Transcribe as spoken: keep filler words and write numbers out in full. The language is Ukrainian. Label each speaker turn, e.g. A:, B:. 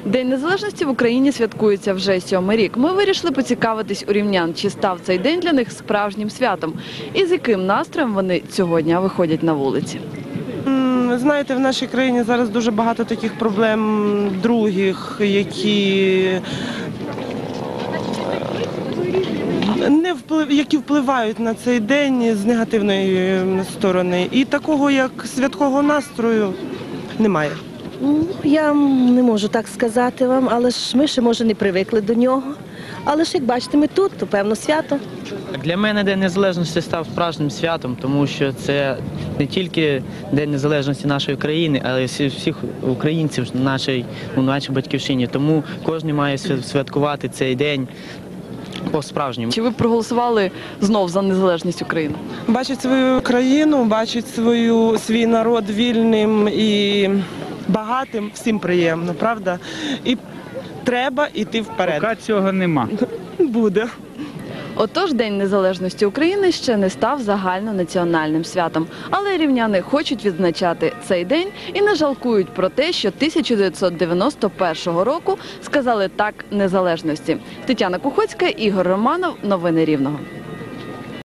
A: День незалежності в Україні святкується вже сьомий рік. Ми вирішили поцікавитись у рівнян, чи став цей день для них справжнім святом і з яким настроєм вони цього дня виходять на вулиці.
B: Ви знаєте, в нашій країні зараз дуже багато таких проблем других, які не вплив, які впливають на цей день з негативної сторони. І такого, як святкового настрою, немає.
C: Я не можу так сказати вам, але ж ми ще, може, не привикли до нього. Але ж, як бачите, ми тут, то, певно, свято.
D: Для мене День Незалежності став справжнім святом, тому що це не тільки День Незалежності нашої країни, але й всіх українців нашій, у нашій батьківщині. Тому кожен має святкувати цей день по-справжньому.
A: Чи ви проголосували знов за незалежність України?
B: Бачить свою країну, бачить свою, свій народ вільним і багатим, всім приємно, правда? І треба йти вперед.
E: Поки цього нема.
B: Буде.
A: Отож, День незалежності України ще не став загальнонаціональним святом. Але рівняни хочуть відзначати цей день і не жалкують про те, що тисяча дев'ятсот дев'яносто першого року сказали «так» незалежності. Тетяна Кухоцька, Ігор Романов. Новини Рівного.